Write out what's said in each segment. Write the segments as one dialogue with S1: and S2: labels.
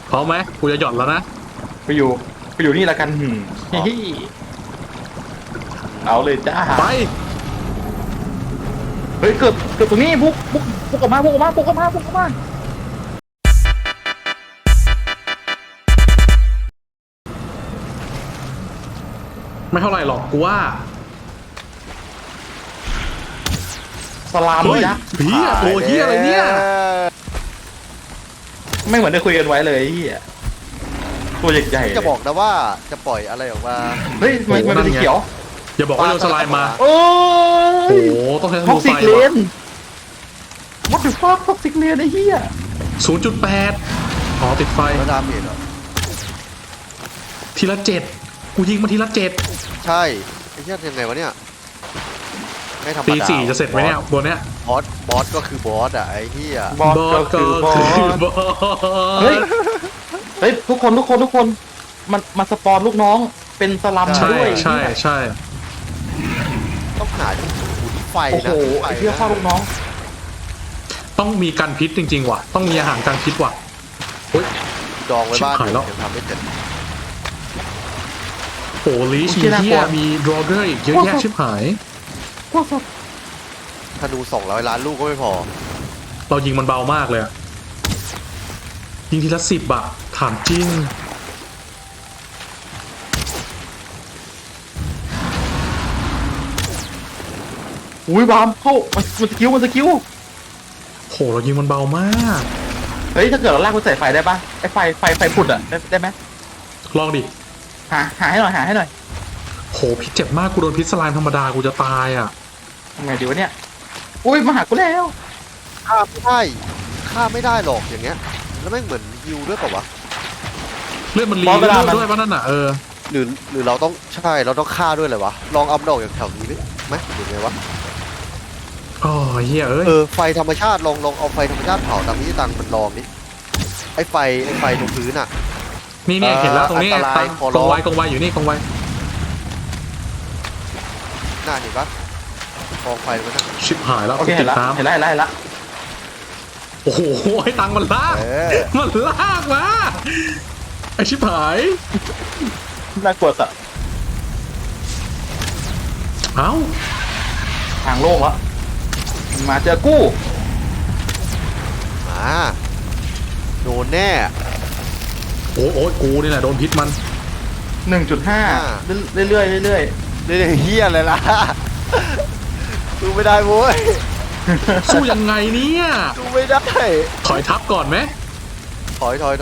S1: พร้อมไหมกูจะหย่อนแล้วนะ
S2: ไปอยู่ไปอยู่นี่ละกันเอาเลยจ้า
S1: ไป
S2: เฮ้ยเกือบตรงนี้บุกออกมาบุกออกมาบุกออกมาบุกออกมา
S1: ไม่เท่าไหร่หรอกกูว่า
S2: สลาม
S1: เฮ้ย
S2: ยักษ์
S1: ผีอะโอ้เฮียอะไรเนี่ย
S2: ไม่เหมือนได้คุยกันไว้เลยเฮียตัวใหญ่ๆ
S3: จะบอกนะว่าจะปล่อยอะไรออกมา
S2: เฮ้ยมันเป็นสีเขียว
S1: อย่าบอกว่าโดนสไลม์มา
S2: โอ้
S1: โอ้
S2: ย
S1: โหต้องใช้ธ
S2: ท็อ
S1: นู
S2: ก
S1: ไฟ
S2: ซิกเล
S1: ว่ะ
S2: น What the fuck ท็อกซิกเลนไอ้เหี้ย
S1: 0.8อ๋อติดไฟ
S3: แล้วดาเมจเหรอ
S1: ทีละ7กูยิงมาทีละ7
S3: ใช่ไอ้เหี้ยยังไงวะเนี่ยไม่ธรรม
S1: ตี
S3: ดา
S1: 4จะเสร็จไหมเนี่ยบนเนี้ย
S3: บอสก็คือบอสอ่ะไอ้เหี้ย
S2: บอสก็คือบอส
S1: บอส
S2: เฮ้ยทุกคนมันสปอนลูกน้องเป็นสลัม
S1: ใช่
S2: ด้วย
S1: ใช่ใช่
S3: ต้องหาที่ขุนไฟ
S2: โอ้โห
S3: นะ
S2: ไอ้เหี้ยฆ่าลูกน้อง
S1: ต้องมีกันพิษจริงๆว่ะต้องมีอาหารกันพิษว่ะโอ้ย
S3: ดองไว้บ้าน
S1: ชิบหายแล้ว
S3: เดี๋ยวทำไม่เสร็จ
S1: โอ้ลีชมีเฮียมีดรอเกอร์อีกเยอะแยะชิบหาย
S3: ธนู200 ล้านลูกก็ไม่พอ
S1: เรายิงมันเบามากเลยอะยิงทีละ10อะถามจริง
S2: อุ้ยบามเข้ามันสกิล
S1: โหเรายิงมันเบามาก
S2: เฮ้ยถ้าเกิดเราลากมันใส่ไฟได้ปะไอ้ไฟผุดอ่ะได้ไหม
S1: ลองดิ
S2: หาให้หน่อย
S1: โหพิษเจ็บมากกูโดนพิษสไลม์ธรรมดากูจะตายอะ
S2: ทำไงดีวะเนี่ยอุ้ยมาหากูแล้ว
S3: ฆ่าไม่ได้หรอกอย่างเงี้ยแล้วแม่งเหมือนฮิวด้วยเปล่าวะ
S1: เลือดมันรีเลือดด้วยป่ะนั่นน่ะ
S3: หรือเราต้องใช่เราต้องฆ่าด้วยเลยวะลองเอาดอกอย่างแถวนี้ดิไหมหรือไงวะ
S1: อ๋อเฮียเอ้ย
S3: ไฟธรรมชาติลองเอาไฟธรรมชาติเผาตามที่ตังมันลองดิไอ้ไฟตรงพื้นอ่ะ
S1: นี่เห็นแล้วตรงนี้
S3: อันตรายขอร้
S1: ก
S3: อ
S1: อง งไวอยู่นี่กองไว
S3: น่าเห็นปะกองไฟมันนะ
S1: ชิบหายแล้ว
S2: โอเคเห็น
S1: ติด
S2: ละ
S1: น้ำ
S2: เห็นละ
S1: โอ้โหให้ตังค์มันลากมันลากมาไอชิบหาย
S2: น่ากลัวสัส
S1: เอ้า
S2: ทางโล่งแล้วมาเจอกู้
S3: โดนแน่
S1: โอ้ยกูนี่แหละโดนพิษมัน
S2: 1.5เรื่อย
S3: เรื่อยๆเฮียอะไรล่ะดูไม่ได้โว้ย
S1: สู้ยังไงเนี่ย
S3: ดูไม่ได้
S1: ถอยทับก่อนไหม
S3: ถอยเลย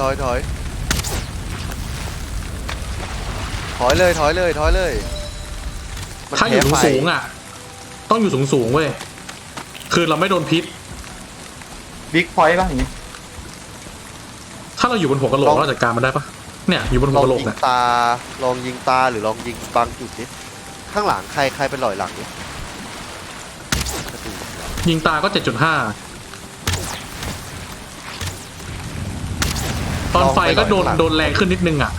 S1: ถ้าอยู่สูงอ่ะต้องอยู่สูงเว้ยคือเราไม่โดนพิษ
S2: บิ๊กพอยต์ป่ะอย่างงี้
S1: ถ้าเราอยู่บนหัวกะโหลกเราจัดการมันได้ปะเนี่ยอยู่บนหัวกะโหลกเนี่ย
S3: ลองยิงตาหรือลองยิงบางจุดนิดข้างหลังใครเป็นหลอยหลังนี่
S1: ยิงตาก็ 7.5 ตอนไฟก็โดนแรงขึ้นนิดนึงอ่ะ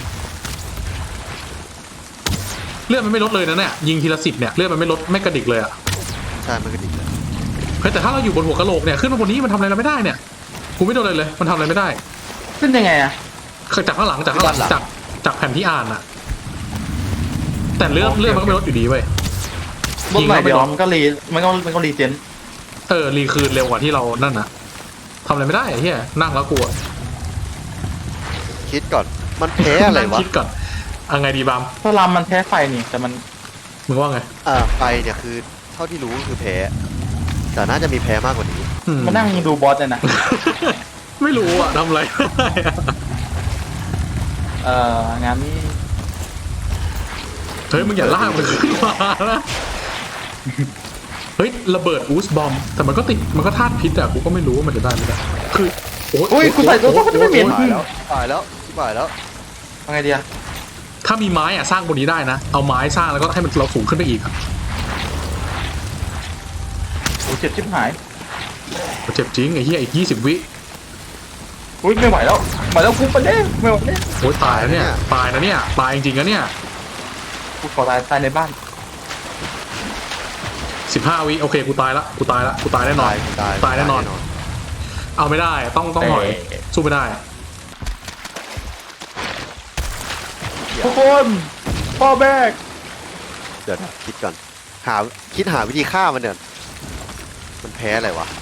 S1: เลือดมันไม่ลดเลยนะเนี่ยยิงทีละ10เนี่ยเลือดมันไม่ลดไม่กระดิกเลยอ่ะ
S3: ใช่มันกระดิกเลย
S1: เฮ้ยแต่ถ้าเราอยู่บนหัวกะโหลกเนี่ยขึ้นมาบนนี้มันทำอะไรเราไม่ได้เนี่ยกูไม่โดนเลยมันทำอะไรไม่ได้
S2: ขึ้นยังไงอะ
S1: จากข้างหลังจากแผ่นที่อ่านอ่ะแต่เลือดมันก็ไม่ลดอยู่ดีเว้ย
S2: ลดหน่อยเดียวมันก็รีเจน
S1: รีคืนเร็วกว่าที่เรานั่นนะทำอะไรไม่ได้ไอ้เหี้ยนั่งแล้วกลัว
S3: คิดก่อนมันแพ้อะไรวะ
S1: คิดก่อนไงดีบาม
S2: สลามมันแพ้ไฟนี่แต่มัน
S1: มึงว่าไง
S3: ไฟเนี่ยคือเท่าที่รู้คือแพ้แต่น่าจะมีแพ้มากกว่านี้
S2: มันนั่งดูบอสเลยนะ
S1: ไม่รู้อ่ะทำอะไร
S2: งั้น
S1: เฮ้ยมึงอย่าลากมันขึ้นมานะเฮ้ยระเบิดอูสบอมแต่มันก็ติดมันก็ธาตุพิษอะกูก็ไม่รู้ว่ามันจะได้ไม่ได้คือ
S2: โอ้ยกูใส่ตัวก็จะไม่เหม็น
S3: ตายแล้ว
S2: ทำไงดีอะ
S1: ถ้ามีไม้อะสร้างบนนี้ได้นะเอาไม้สร้างแล้วก็ให้มันเราสูงขึ้นไปอีก
S2: โอ้เจ็บชิบหาย
S1: เจ็บจริงไอ้เหี้ยอีก20 วิ
S2: อุ้ยไม่ไหวแล้วกูไปเด้ไม่ไหวแล้ว
S1: โอ้ยตายแล้วเนี่ยตายนะเนี่ยตายจริงๆนะเนี่ย
S2: กูขอตายในบ้าน
S1: 15 วิโอเคกูตายแน่นอนตายแน่นอนเอาไม่ได้ต้องถอยสู้ไม่ได้
S3: ย
S2: ทุกคนพ่อแบก
S3: เดี๋ยวนะคิดก่อนคิดหาวิธีฆ่ามันเนี่ยมันแพ้อะไรวะ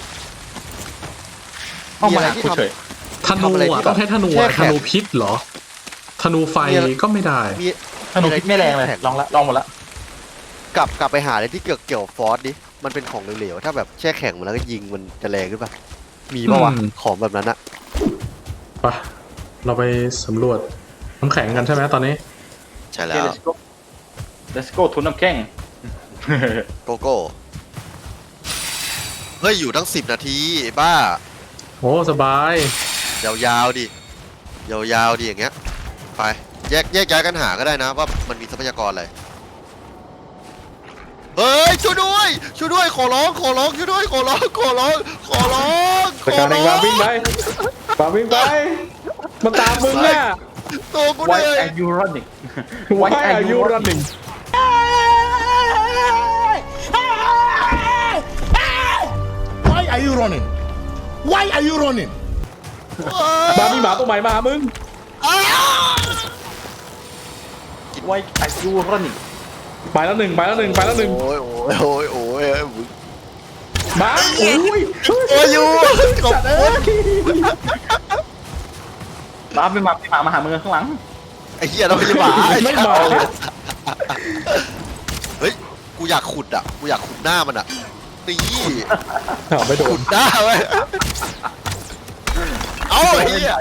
S2: เอามา
S3: อะไร
S2: หา
S3: ที่
S2: กู
S3: ทำ
S2: เฉย
S1: ธนูอ่ะต้องใช้ธนู
S3: แช่
S1: อ่ะ
S3: แข็
S1: ธ
S3: ง
S1: นูพิษเหรอธนูไฟก็ไม่ได้
S3: มี
S2: ธนูพิษไม่แรงเลยลองหมดละ
S3: กลับไปหาอะไรที่เกี่ยวฟอสดิมันเป็นของเหลวๆถ้าแบบแช่แข็งมันแล้วก็ยิงมันจะแรงขึ้นปะมีปะวะ
S1: อืม
S3: ของแบบนั้นอะ
S1: ไปเราไปสำรวจน้ำแข็งกันใช่ไหมตอนนี้
S3: ใช่
S2: โอ
S3: แล้
S2: เค
S3: ว
S2: let's go ทุนน้ำแข็ง
S3: โกโก้เฮ้ยอยู่ตั้ง10 นาทีไอ้บ้า
S1: โอ้สบาย
S3: ยาวๆดิยาวๆดิอย่างเงี้ยไปแยกย้ายกันหาก็ได้นะว่ามันมีทรัพยากรอะไรเฮ้ยช่วยด้วยขอร้องช่วยด้วยขอร้อง
S1: แต่การเองวางวิ่งไปวางวิ่งไปมันตามมึงเนี่ย
S3: ตัวกูเห
S2: Why
S3: นื่อย
S2: are you running
S1: Why are you running
S4: Why are you running? Why are you running?
S1: บามีหมาตัวใหม่มาหามึง
S2: Why are you running
S1: ไปแล้วหนึ่ง
S3: โอ้ยมึง
S1: มาโอ้ย
S3: โอ้ยอยู่ขอบ
S1: จัด
S3: คุ
S1: เอ้
S3: ณ
S1: ย
S2: มาเป็นหมามาหามึงข้างหลัง
S3: ไอ้เหี้ยเราไม่ใช่หมา
S1: ไม่มา
S3: เฮ้ยกูอยากขุดหน้ามันอะตี
S1: เอาไม่โด
S3: ขุ
S1: น
S3: ดหน้าไว้เอาไอ้เหี้ย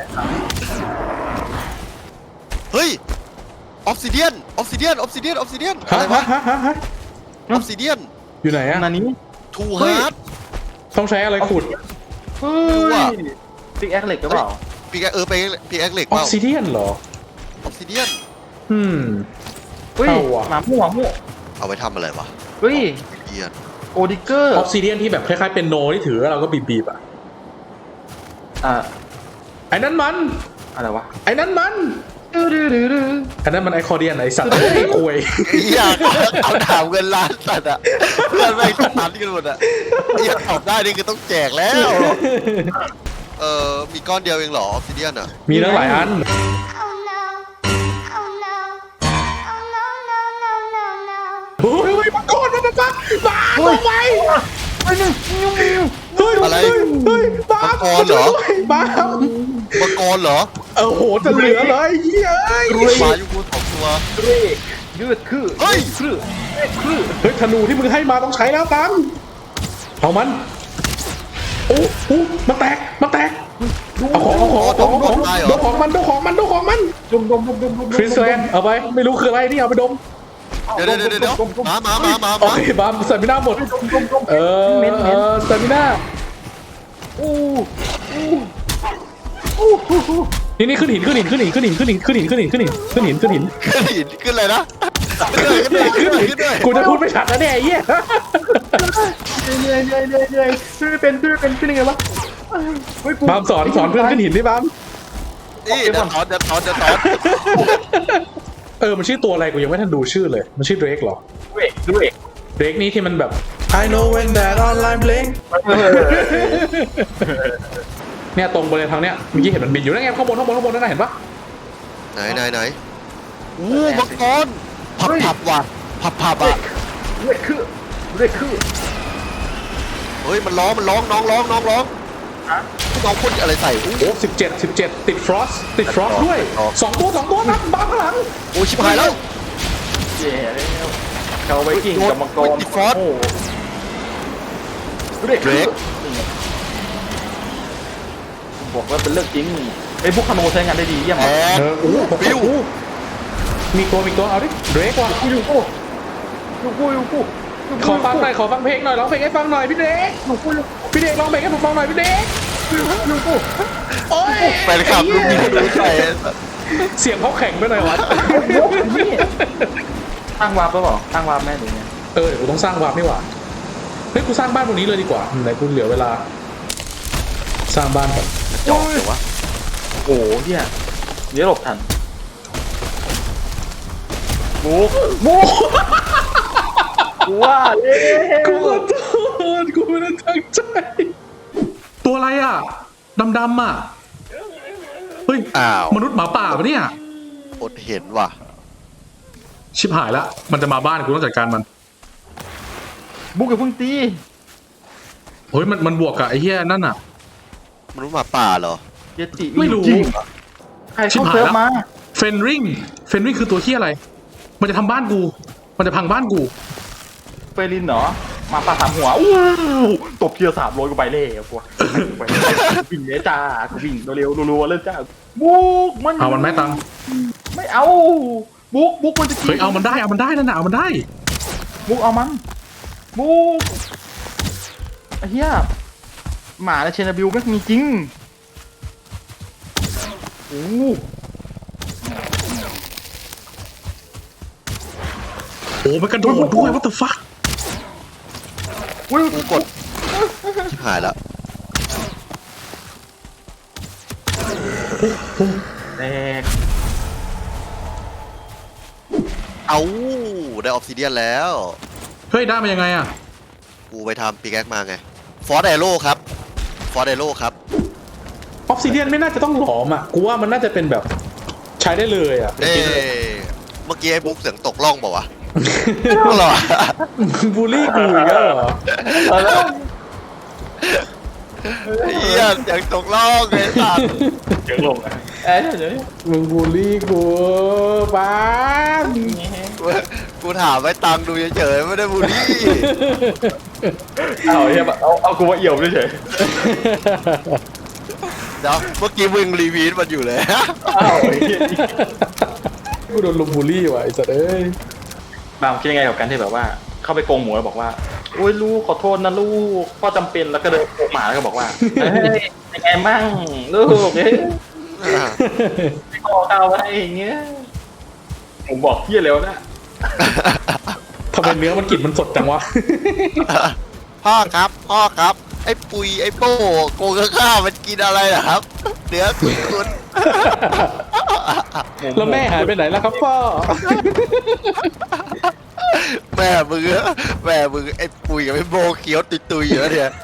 S3: เฮ้ยออฟซิเดียนอะไรวะ
S1: ฮะ
S3: ออฟซิเดียน
S1: อยู่ไหนอะ
S2: นานี้
S3: ทูฮาร์ด
S1: ต้องใช้อะไรขุด
S2: เฮ้ยติ๊กแอคเหล็กหรือเปล่า
S3: ปีกไปปีกแอคเหล็ก
S1: อ
S3: เป
S1: อ
S3: ล่า
S1: ฟซิเดียนเหรอ
S3: ออฟซิเดียน
S2: เฮ้ย
S1: เอาว่ะ
S2: หมาหมู่
S3: เอาไว้ทำอะไรวะ
S2: เฮ้ย
S3: ออฟซิเดียน
S2: โกดิเกอร์
S1: ออฟซิเดียนที่แบบคล้ายๆเป็นโนที่ถือแล้วเราก็บีบๆอ่ะ ไอ้นั้นมัน
S2: อะไรวะ
S1: ไอ้นั้นมัน
S2: ดื้อ
S1: อันนั้นมันไอคอร์เดียนไอสัตว์ไอ้ควย
S3: อยากเอาถามเงินล้านสัตว์อะเพื่อนแม่งตันกันหมดอะอยากตอบได้นี่คือต้องแจกแล้ว มีก้อนเดียวเองเหรอออฟซิเดียนอะ
S1: มีตั้งหลายอัน
S5: Oh no. Oh no. Oh no, no, no, no, no.
S1: เฮ้ยมาก่อนมาลงไป
S3: อะไร
S1: เฮ้ยบ้า
S3: มังกรเหรอ
S1: บ้า
S3: มังกรเหรอ
S1: โอ้โหจะเหลือเลยเฮ้ยเอ้ย
S3: หมาอยู่กูสองตัว
S2: เร่ยืดคือ
S3: เฮ้ย
S2: คือ
S1: เฮ้ยธนูที่มึงให้มาต้องใช้แล้วตังเอามันโอ้โหมันแตกเอาของโดนของมัน
S2: ดม
S1: คริสแลนเอาไปไม่รู้คืออะไรนี่เอาไปดม
S3: เดี๋ยวมา
S1: โอเคบามสตามิน่าหมดสตามิน่านี่ขึ้นหินขึ้น
S3: อะไรนะขึ้นเลย
S1: กูจะพูดไม่ชัดนะเนี่ยไอ้เหี้ย
S2: เหนื่อยขึ้นยังไงวะ
S1: บามสอนเพื่อนขึ้นหินดิบาม
S3: นี่เดี๋ยวถอน
S1: มันชื่อตัวอะไรกูยังไม่ทันดูชื่อเลยมันชื่อเดรกเหรอ
S2: ด้วย
S1: เดรกนี่ที่มันแบบ I know when that online blink เนี่ยตรงบริเวณทางเนี้ยเมื่อกี้เห็นมันบินอยู่นั่นไงข้างบนนั่นนะเห็นปะ
S3: ไหนมังกรผับว่ะผับอ่ะ
S2: ด้วยคือ
S3: เฮ้ยมันร้องน้องร้องน้องพ่นอะไรใส่
S1: โอ้17ติดฟรอสด้วยสองตัวนะบ้าข้างหลัง
S3: โอ้ชิบหายแล้ว
S2: เย่แล้วเขาไว้กิ่งกับมังกรเด็กบอกว่าเป็นเรื่องจริงไอ้พวกคาโนใช้งานได้ดีเยี่ยม
S3: บิว
S1: มีตัวเอาดิเดรกว่ะ
S2: อยู่กู
S1: ขอฟังเพลงหน่อยร้องเพลงให้ฟังหน่อยพี่เดกร้องเพลงให้ผมฟังหน่อยพี่เดกโอ้ย
S3: แฟนคลับลูกนี้ดูใส่
S1: เสียงเขาแข็งไปหน่อยวะ
S2: ตั้งวาร์ปหรือเปล่าตั้งวาร์ปแม่หรือไง
S1: เดี๋ยวกูต้องสร้างวาร์ปนี่หว่าเฮ้ยกูสร้างบ้านบนนี้เลยดีกว่าไหนกูเหลือเวลาสร้างบ้านก่อน
S3: จอกเลยวะ
S2: โอ้เฮียเดี๋ยวหลบทันบูว่าเล่
S1: กูขอโทษกูไม่ได้ตั้งใจตัวอะไรอ่ะดำอ่ะเฮ้ย
S3: อ้าว
S1: มนุษย์หมาป่าปะเนี่ย
S3: อดเห็นว่ะ
S1: ชิบหายละมันจะมาบ้านกูต้องจัดการมัน
S2: บุกกับพึ่งตี
S1: เฮ้ยมันบวกกับไอ้เหี้ยนั่นอ่ะ
S3: มันรู้หมาป่าเหรอ
S2: เยติ
S1: ไม่รู้
S2: จงเหอใคร
S1: ชิบ
S2: เข้า
S1: หาย
S2: เซิร์ฟ
S1: แล้ว
S2: มา
S1: เฟนริงคือตัวเหี้ยอะไร มันจะทำบ้านกู มันจะพังบ้านกู
S2: เฟรินเหรอมาปาสามหัวอู้ตบเทีย300กูไปเลยกูไปวิ่งเลยจ้ากูวิ่งเร็วๆรัวๆเลยจ้าบุกมัน
S1: เอามันไหมตัง
S2: ไม่เอาบุกมันจะกิน
S1: เฮ้ยเอามันได้นั่นน่ะเอามันได้
S2: บุกเอามันบุกไอ้เหี้ยหมาและเชนาบิลไม่มีจริงโอ้
S1: โอ้มันกระโดดด้วย what the fuck
S2: อุ้ย
S3: กูกดชิบหายแล้ว
S2: แตก
S3: เอาได้ออฟซิเดียนแล้ว
S1: เฮ้ยได้มายังไงอ่ะ
S3: กูไปทำปีแก๊กมาไงฟอร์ดไดโร่ครับฟอร์ดไดโร่ครับ
S1: ออฟซิเดียนไม่น่าจะต้องหลอมอ่ะ กูว่ามันน่าจะเป็นแบบใช้ได้เลยอ่ะ
S3: เมื่อกี้ไอ้บุ๊กเสียงตกล่องเปล่าวะหรอ
S1: บูลลี่กูอีกแล้วเหรอ
S3: เฮียเสียงตกล่องไอ้สัส
S2: เดี๋ยวลงเดี๋ยว
S1: มึงบูลลี่กูป้าบ
S3: กูถามไว้ตังค์ดูเฉยๆไม่ได้บูลลี่
S2: เอาเฮียเอากูมาเอี่ยวด้วยเฉย
S3: เดี๋ยวเมื่อกี้มึงรีวีดมันอยู่เลย
S2: เอาไอ้เฮีย
S1: กูโดนลุมบูลลี่ว่ะไอ้สัตว์เอ้ย
S2: บางคิดยังไงกับการที่แบบว่า เข้าไปโกงหมูแล้วบอกว่าโอ้ยลูกขอโทษนะลูกพ่อจำเป็นแล้วก็เดินโกงหมาแล้วก็บอกว่าเฮ้ยยังไงมั่งลูกเฮ้ยพ่อเอาไว้อย่างเงี้ยผมบอกพี่แล้วนะ
S1: ทำไมเนื้อมันกลิ่นมันสดจังวะ
S3: พ่อครับไอ้ปุยไอ้โป้โกงข้าวมันกินอะไรนะครับเนื้อคุณ
S1: แล้วแม่หายไปไหนแล้วครับพ่อ
S3: แม่มึงไอ้ปุยกับไอ้โบเขียวตุยๆอยู่แล้วเนี่ย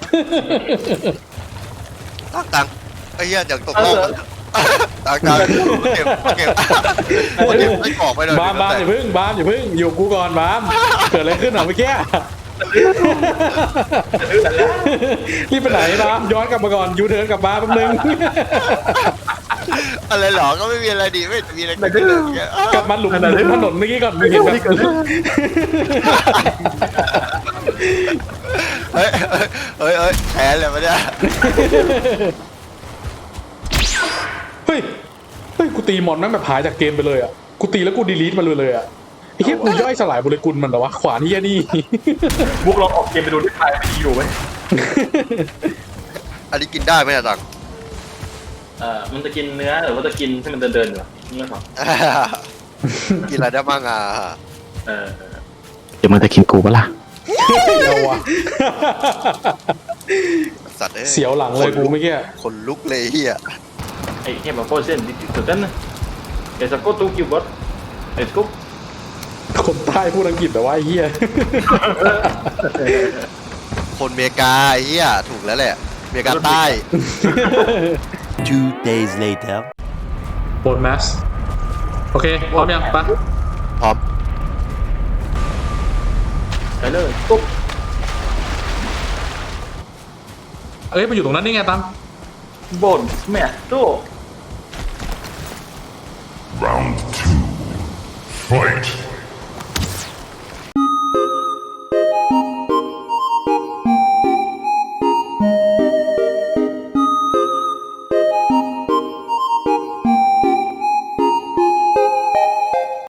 S3: ตังไอ้เหี้ยอย่างตกโลกตังเก็บไม่กรอกไปเลย
S1: บามอย่าพึ่งอยู่กูก่อนบามเกิดอะไรขึ้นเหรอเมื่อกี้รีบไปไหนบามย้อนกลับมาก่อนยูเทิร์นกลับมาแป๊บนึง
S3: อะไรหรอก็ไม่มีอะไรดีไม่มีอะไรเกิดขึ้นเลย
S1: กลับมาหลุมถนนเมื่อกี้ก่อนมึงเห็นแบบ
S3: เฮ้ยแพ้เลยปะเนี่ย
S1: เฮ้ยกูตีมอนแม่งแบบหายจากเกมไปเลยอ่ะกูตีแล้วกูดีลีทมันเลยอ่ะไอ้เหี้ยกูย่อยสลายโมเลกุลมันเหรอวะขวานเหี้ยนี่
S2: บุกลองออกเกมไปดูที่ไทยไม่ดีอยู่ไหม
S3: อันนี้กินได้ไหมอะตัง
S2: มันจะกินเนื้อหรือว่าจะกินที่มันเดินๆอยู่อะไม่ขอ
S3: กินอะไรได้บ้างอ่ะ
S2: เดี๋ยวมันจะกินกูปะล่ะ
S1: เอาวะ
S3: สัตว์เอ้ย
S1: เสียวหลังเลยกูเมื่อกี้
S3: คนลุกเลยเฮีย
S2: ไอ้เหี้ยมาโคตรเส้นดิสุดนั้นนะเดี๋ยวสักกูตูกิวบอสเอ็ดกุ๊ก
S1: คนใต้พูดอังกฤษแต่ว่าไอ้เหี้ย
S3: คนเมกาไอ้เฮียถูกแล้วแหละเมกาใต้
S6: 2 days later.
S1: โบนแมสโอเคพร้อมยังปะ
S3: พร้อม
S2: ไปเลยกุ๊ก
S1: เอ้ยไปอยู่ตรงนั้นได้ไงตัง
S2: บนแม่ตู้
S4: Round 2. Fight.